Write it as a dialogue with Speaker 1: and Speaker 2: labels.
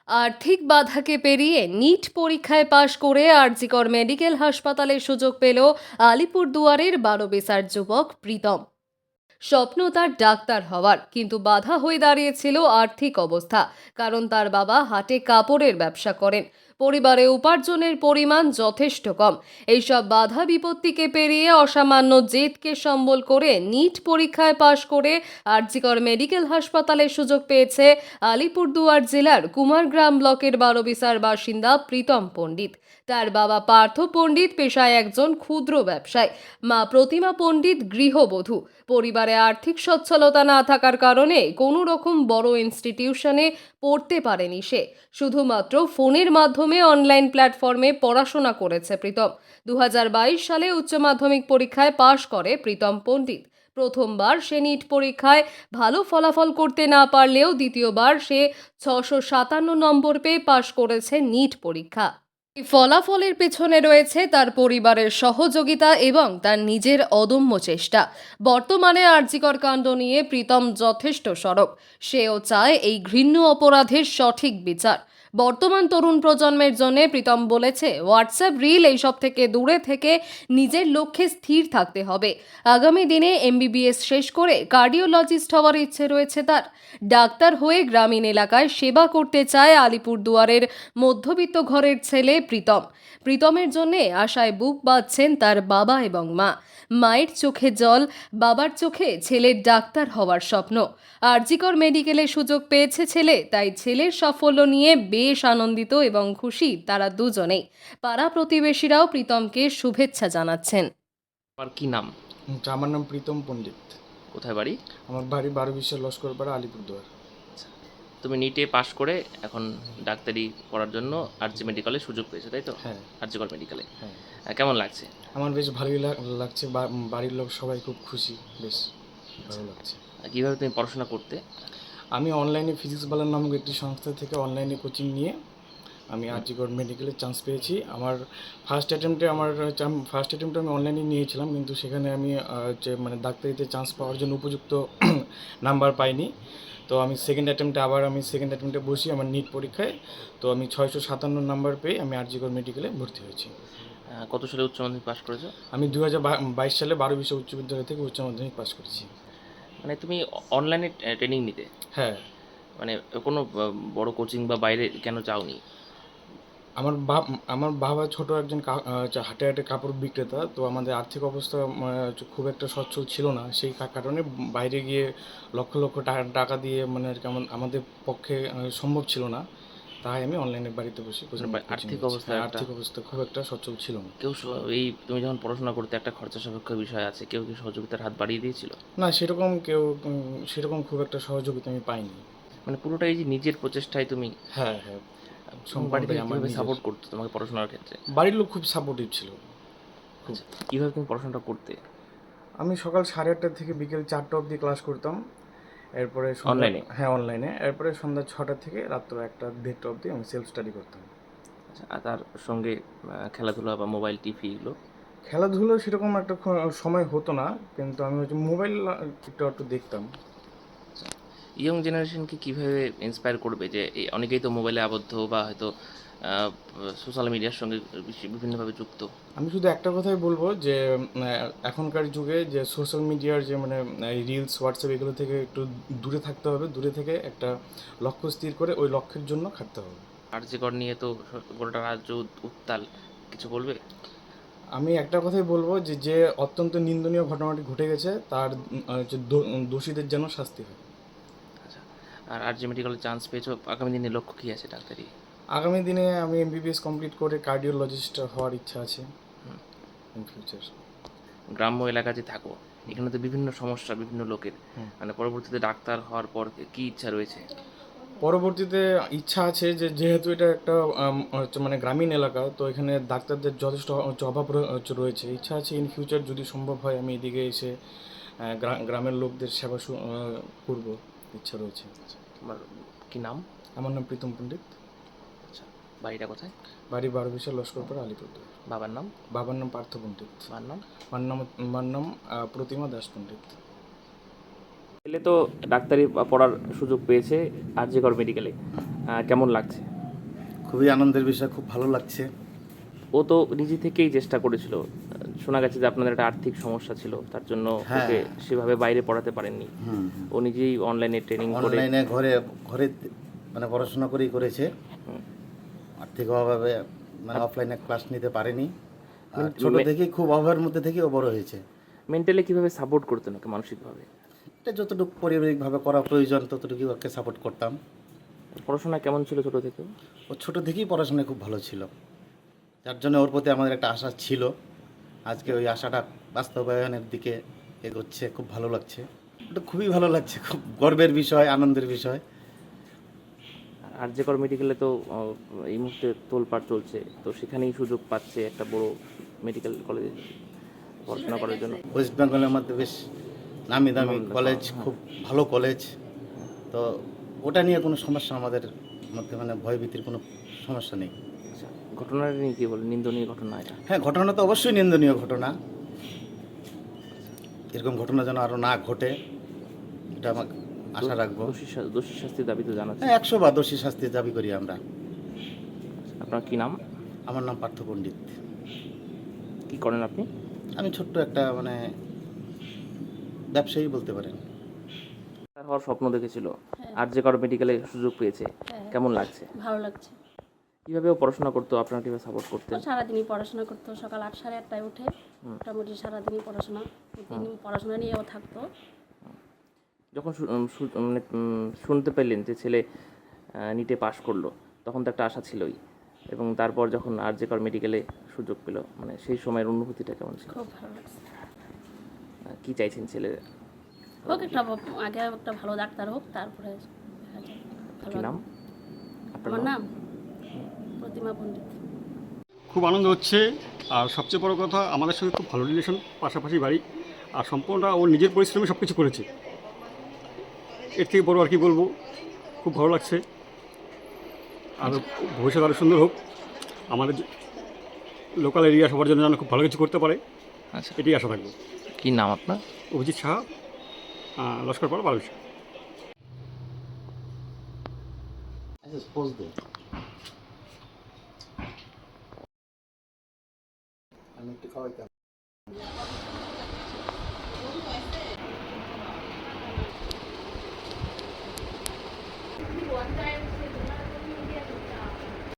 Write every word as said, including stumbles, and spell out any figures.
Speaker 1: আর্থিক বাধাকে পেরিয়ে নিট পরীক্ষায় পাশ করে আরজিকর মেডিকেল হাসপাতালে সুযোগ পেল আলিপুরদুয়ারের বারো বেসার যুবক প্রীতম। স্বপ্ন তার ডাক্তার হওয়ার, কিন্তু বাধা হয়ে দাঁড়িয়েছিল আর্থিক অবস্থা। কারণ তার বাবা হাটে কাপড়ের ব্যবসা করেন, পরিবারে উপার্জনের পরিমাণ যথেষ্ট কম। এইসব বাধা বিপত্তিকে পেরিয়ে অসামান্য জেদকে সম্বল করে নিট পরীক্ষায় পাশ করে আরজিকর মেডিকেল হাসপাতালে সুযোগ পেয়েছে আলিপুরদুয়ার জেলার কুমারগ্রাম ব্লকের বারোবিসার বাসিন্দা প্রীতম পণ্ডিত। তার বাবা পার্থ পণ্ডিত পেশায় একজন ক্ষুদ্র ব্যবসায়ী, মা প্রতিমা পণ্ডিত গৃহবধূ। পরিবারে আর্থিক সচ্ছলতা না থাকার কারণে কোনো রকম বড় ইনস্টিটিউশনে পড়তে পারেনি সে। শুধুমাত্র ফোনের মাধ্যমে অনলাইন প্ল্যাটফর্মে পড়াশোনা করেছে প্রীতম। দু হাজার বাইশ সালে উচ্চ মাধ্যমিক পরীক্ষায় পাশ করে প্রীতম পণ্ডিত। প্রথমবার সে নিট পরীক্ষায় ভালো ফলাফল করতে না পারলেও দ্বিতীয়বার সে ছশো সাতান্ন নম্বর পেয়ে পাশ করেছে নিট পরীক্ষা। এই ফলাফলের পেছনে রয়েছে তার পরিবারের সহযোগিতা এবং তার নিজের অদম্য চেষ্টা। বর্তমানে আরজিকর কাণ্ড নিয়ে প্রীতম যথেষ্ট সরব। সেও চায় এই ঘৃণ্য অপরাধের সঠিক বিচার। বর্তমান তরুণ প্রজন্মের জন্য প্রীতম বলেছে, হোয়াটসঅ্যাপ রিল এইসব থেকে দূরে থেকে নিজের লক্ষ্যে স্থির থাকতে হবে। আগামী দিনে এমবিবিএস শেষ করে কার্ডিওলজিস্ট হওয়ার ইচ্ছে রয়েছে তার। ডাক্তার হয়ে গ্রামীণ এলাকায় সেবা করতে চায় আলিপুরদুয়ারের মধ্যবিত্ত ঘরের ছেলে প্রীতম। প্রীতমের জন্যে আশায় বুক বাঁধছেন তার বাবা এবং মা। মায়ের চোখে জল, বাবার চোখে ছেলের ডাক্তার হওয়ার স্বপ্ন। আরজিকর মেডিকেলে সুযোগ পেয়েছে ছেলে, তাই ছেলের সাফল্য নিয়ে বেশ আনন্দিত এবং খুশি তারা দুজনেই। পাড়া প্রতিবেশীরাও প্রীতমকে শুভেচ্ছা জানাচ্ছেন।
Speaker 2: আর কি নাম?
Speaker 3: আচ্ছা, আমার নাম প্রীতম পণ্ডিত।
Speaker 2: কোথায় বাড়ি?
Speaker 3: আমার বাড়ি বারো বিশ্বের লস্করপাড়া, আলিপুরদুয়ার।
Speaker 2: তুমি নিটে পাশ করে এখন ডাক্তারি পড়ার জন্য আরজি মেডিকেলে সুযোগ পেয়েছো, তাই তো?
Speaker 3: হ্যাঁ
Speaker 2: আরজিকর মেডিকেলে
Speaker 3: হ্যাঁ,
Speaker 2: কেমন লাগছে?
Speaker 3: আমার বেশ ভালোই লাগ- লাগছে। বা- বাড়ির লোক সবাই খুব খুশি, বেশ ভালো লাগছে।
Speaker 2: আর কিভাবে তুমি পড়াশোনা করতে?
Speaker 3: আমি অনলাইনে ফিজিক্স বালার নামক একটি সংস্থা থেকে অনলাইনে কোচিং নিয়ে আমি আরজিকর মেডিকেলে চান্স পেয়েছি। আমার ফার্স্ট অ্যাটেম্পটে আমার ফার্স্ট অ্যাটেম্পটে আমি অনলাইনে নিয়েছিলাম, কিন্তু সেখানে আমি আহ, হচ্ছে মানে ডাক্তারিতে চান্স পাওয়ার জন্য উপযুক্ত নাম্বার পাইনি। তো আমি সেকেন্ড অ্যাটেম্পটে আবার আমি সেকেন্ড অ্যাটেম্পটে বসি আমার নিট পরীক্ষায়। তো আমি ছয়শো সাতান্ন নাম্বার পেয়ে আমি আরজিকর মেডিকেলে ভর্তি হয়েছি।
Speaker 2: আহ, কত সালে উচ্চ মাধ্যমিক পাশ করেছো?
Speaker 3: আমি দু হাজার বাইশ সালে বারো বিশ্ব উচ্চ বিদ্যালয় থেকে উচ্চ মাধ্যমিক পাশ করেছি।
Speaker 2: মানে তুমি অনলাইনে ট্রেনিং নিতে,
Speaker 3: হ্যাঁ,
Speaker 2: মানে কোনো আহ, বড় কোচিং বা বাইরে কেন যাওনি?
Speaker 3: আমার বাপ আমার বাবা ছোট একজন কা- আহ, হচ্ছে হাটে হাটে কাপড় বিক্রেতা। তো আমাদের আর্থিক অবস্থা আহ, হচ্ছে খুব একটা সচ্ছল ছিল না, সেই কা- কারণে বাইরে গিয়ে লক্ষ লক্ষ টাকা টাকা দিয়ে মানে আর কি আমা- আমাদের পক্ষে আহ, সম্ভব ছিল না। তাই আমি অনলাইনে বাড়িতে বসে কোচিং
Speaker 2: মানে
Speaker 3: কোচিং
Speaker 2: আর্থিক
Speaker 3: নিচ্ছি।
Speaker 2: অবস্থা
Speaker 3: হ্যাঁ,
Speaker 2: একটা,
Speaker 3: আর্থিক অবস্থা খুব একটা সচ্ছল ছিল না।
Speaker 2: কেউ স- এই তুমি যখন পড়াশোনা করতে একটা খরচা সাপেক্ষ বিষয় আছে, কেউ কি সহযোগিতার হাত বাড়িয়ে দিয়েছিল?
Speaker 3: না, সেরকম কেউ উম, সেরকম খুব একটা সহযোগিতা আমি পাইনি।
Speaker 2: মানে পুরোটাই যে নিজের প্রচেষ্টায় তুমি,
Speaker 3: হ্যাঁ হ্যাঁ,
Speaker 2: তোমার বাড়ি
Speaker 3: সম্পূর্ণটাই
Speaker 2: থেকে
Speaker 3: আমার
Speaker 2: কীভাবে
Speaker 3: নিজের।
Speaker 2: সাপোর্ট করতো তোমাকে পড়াশোনার ক্ষেত্রে?
Speaker 3: বাড়ির লোক খুব সাপোর্টিভ ছিল। খুব।
Speaker 2: আচ্ছা, কীভাবে তুমি পড়াশোনাটা করতে?
Speaker 3: আমি সকাল সাড়ে আটটা থেকে বিকেল চারটা অবধি ক্লাস করতাম। এরপরে সন্ধ্যা,
Speaker 2: অনলাইনে?
Speaker 3: হ্যাঁ অনলাইনে। এরপরে সন্ধ্যা ছটা থেকে রাত্র একটা দেড়টা অবধি আমি সেলফ স্টাডি করতাম।
Speaker 2: আচ্ছা, আর তার সঙ্গে আহ, খেলাধুলা বা মোবাইল টিভি এগুলো?
Speaker 3: খেলাধুলো সেরকম একটা খ- সময় হতো না, কিন্তু আমি হচ্ছে মোবাইল একটু একটু দেখতাম।
Speaker 2: ইয়ং জেনারেশনকে কীভাবে ইন্সপায়ার করবে যে এই অনেকেই তো মোবাইলে আবদ্ধ বা হয়তো সোশ্যাল মিডিয়ার সঙ্গে বেশি- বিভিন্নভাবে যুক্ত?
Speaker 3: আমি শুধু একটা কথাই বলবো যে উম, আহ, এখনকার যুগে যে সোশ্যাল মিডিয়ার যে মানে রিলস, হোয়াটসঅ্যাপ এগুলো থেকে একটু দূরে থাকতে হবে। দূরে থেকে একটা লক্ষ্য স্থির করে ওই লক্ষ্যের জন্য খাটতে হবে।
Speaker 2: আরজিকর নিয়ে তো স- গোটা রাজ্য উত- উত্তাল, কিছু বলবে?
Speaker 3: আমি একটা কথাই বলবো যে যে অত্যন্ত নিন্দনীয় ঘটনাটি ঘটে গেছে তার উম, আহ, যে দো- দোষীদের যেন শাস্তি হয়।
Speaker 2: আচ্ছা, আর আরজি মেডিকেলে চান্স পেয়েছো, আগামী দিনে লক্ষ্য কী আছে ডাক্তারি?
Speaker 3: আগামী দিনে আমি এমবিবিএস কমপ্লিট করে কার্ডিওলজিস্ট হওয়ার ইচ্ছা আছে
Speaker 2: হুম।
Speaker 3: In future.
Speaker 2: গ্রাম্য এলাকাতে থাকো, এখানে তো বিভিন্ন সমস্যা বিভিন্ন লোকের,
Speaker 3: হুম।
Speaker 2: মানে পরবর্তীতে ডাক্তার হওয়ার পর কী ইচ্ছা রয়েছে?
Speaker 3: পরবর্তীতে ইচ্ছা আছে যে যেহেতু এটা একটা আম, হচ্ছে মানে গ্রামীণ এলাকা, তো এখানে ডাক্তারদের যথেষ্ট হচ্ছে অভাব রয়ে- হচ্ছে রয়েছে। ইচ্ছা আছে ইন ফিউচার যদি সম্ভব হয় আমি এদিকে এসে আহ, গ্রা- গ্রামের লোকদের সেবা সু- আহ, করব, ইচ্ছা রয়েছে।
Speaker 2: তোমার কি নাম?
Speaker 3: আমার নাম প্রীতম পণ্ডিত।
Speaker 2: আচ্ছা, বাড়িটা কোথায়?
Speaker 3: বাড়ি বারো বিশাল লস্করপাড়া, আলিপুরদুয়ার।
Speaker 2: বাবার নাম?
Speaker 3: বাবার নাম পার্থ পণ্ডিত।
Speaker 2: মার নাম?
Speaker 3: মার নাম মার নাম আহ, প্রতিমা দাস পণ্ডিত।
Speaker 2: ছেলে তো ডাক্তারি পড়ার সুযোগ পেয়েছে আরজিকর মেডিকেলে, কেমন লাগছে?
Speaker 4: খুবই আনন্দের বিষয়, খুব ভালো লাগছে।
Speaker 2: ও তো নিজে থেকেই চেষ্টা করেছিল। শোনা গেছে যে আপনাদের একটা আর্থিক সমস্যা ছিল, তার জন্য
Speaker 4: হ্যাঁ।
Speaker 2: ওকে সেভাবে বাইরে পড়াতে পারেননি।
Speaker 4: হুম
Speaker 2: ও নিজেই অনলাইনে ট্রেনিং করে
Speaker 4: অনলাইনে ঘরে ঘরে মানে পড়াশোনা করেই করেছে।
Speaker 2: হুম।
Speaker 4: আর্থিক অভাবে মানে অফলাইনে ক্লাস নিতে পারেনি। আর
Speaker 2: মানে
Speaker 4: ছোট
Speaker 2: মে-
Speaker 4: থেকেই খুব অভাবের মধ্যে থেকেই ও বড় হয়েছে।
Speaker 2: মেন্টালি কিভাবে সাপোর্ট করতেন ওকে মানসিকভাবে?
Speaker 4: এটা যতটুকু পারিবারিকভাবে করা প্রয়োজন ততটুকু ওকে সাপোর্ট করতাম।
Speaker 2: পড়াশোনা কেমন ছিল ছোট থেকে?
Speaker 4: ও ছোট থেকেই পড়াশোনায় খুব ভালো ছিল, যার জন্য ওর প্রতি আমাদের একটা আশা ছিল। আজকে ওই আশাটা বাস্তবায়নের দিকে এগোচ্ছে, খুব ভালো লাগছে। এটা খুবই ভালো লাগছে, খুব গর্বের বিষয়, আনন্দের বিষয়।
Speaker 2: আরজেকর মেডিকেলে তো আহ, এই মুহূর্তে তোলপাড় চলছে, তো সেখানেই সুযোগ পাচ্ছে একটা বড় মেডিকেল কলেজে পড়াশোনা করার জন্য।
Speaker 4: ওয়েস্ট বেঙ্গলের মধ্যে বেশ নামি দামি
Speaker 2: নাম-
Speaker 4: কলেজ,
Speaker 2: হ্যাঁ।
Speaker 4: খুব ভালো কলেজ। তো ওটা নিয়ে কোনো সমস্যা আমাদের মধ্যে মানে ভয়ভীতির কোনো সমস্যা নেই।
Speaker 2: আচ্ছা, ঘটনাটা নিয়ে কি বলে? নিন্দনীয় ঘটনা এটা।
Speaker 4: হ্যাঁ, ঘটনা তো অবশ্যই নিন্দনীয় ঘটনা। এরকম ঘটনা যেন আরও না ঘটে, এটা আমাকে আশা রাখবো।
Speaker 2: দোষী শা- দোষী শাস্তির দাবি তো জানাচ্ছে।
Speaker 4: হ্যাঁ, একশো বার দোষী শাস্তির দাবি করি আমরা।
Speaker 2: আপনার কি নাম?
Speaker 4: আমার নাম পার্থ পণ্ডিত।
Speaker 2: কি করেন আপনি?
Speaker 4: আমি ছোট্ট একটা মানে ব্যবসায়ী বলতে পারেন।
Speaker 2: ডাক্তার হওয়ার স্বপ্ন দেখেছিল, আরজেকর মেডিকেলে সুযোগ পেয়েছে, কেমন লাগছে?
Speaker 5: ভালো লাগছে।
Speaker 2: কিভাবে ও পড়াশোনা করতো, আপনারা কিভাবে সাপোর্ট
Speaker 5: ও
Speaker 2: করতেন?
Speaker 5: সারাদিনই পড়াশোনা করতো, সকাল আট সাড়ে আটটায় উঠে মোটামুটি সারাদিনই পড়াশোনা তিনি পড়াশোনা নিয়েও থাকতো।
Speaker 2: যখন শু- উম, শু- মানে উম, শুনতে পেলেন যে ছেলে নিটে পাশ করলো, তখন তো একটা আশা ছিলই, এবং তারপর যখন আরজেকর মেডিকেলে সুযোগ পেল, মানে সেই সময়ের অনুভূতিটা কেমন ছিল?
Speaker 5: খুব ভালো লাগছে।
Speaker 2: আহ, কি চাইছেন ছেলে?
Speaker 5: হোক একটা ভ- আগে একটা ভালো ডাক্তার হোক, তারপরে দেখা যায়। ভালো
Speaker 2: কি নাম আপনার?
Speaker 5: আমার নাম প্রতিমা পণ্ডিত।
Speaker 6: খুব আনন্দ হচ্ছে। আর সবচেয়ে বড় কথা, আমাদের সঙ্গে খুব ভালো রিলেশন, পাশাপাশি বাড়ি, আর সম্পূর্ণটা ওর নিজের পরিশ্রমে সব কিছু করেছে। এর থেকে বড় আর কি বলবো, খুব ভালো লাগছে। আর ভবিষ্যৎ আরও সুন্দর হোক, আমাদের লোকাল এরিয়া সবার জন্য যেন খুব ভালো কিছু করতে পারে,
Speaker 2: আচ্ছা,
Speaker 6: এটাই আশা থাকবো।
Speaker 2: কি নাম আপনার?
Speaker 6: অভিজিৎ সাহা, লস্করপাড়া, বালুচা।
Speaker 4: আমি একটু খাওয়াইতাম।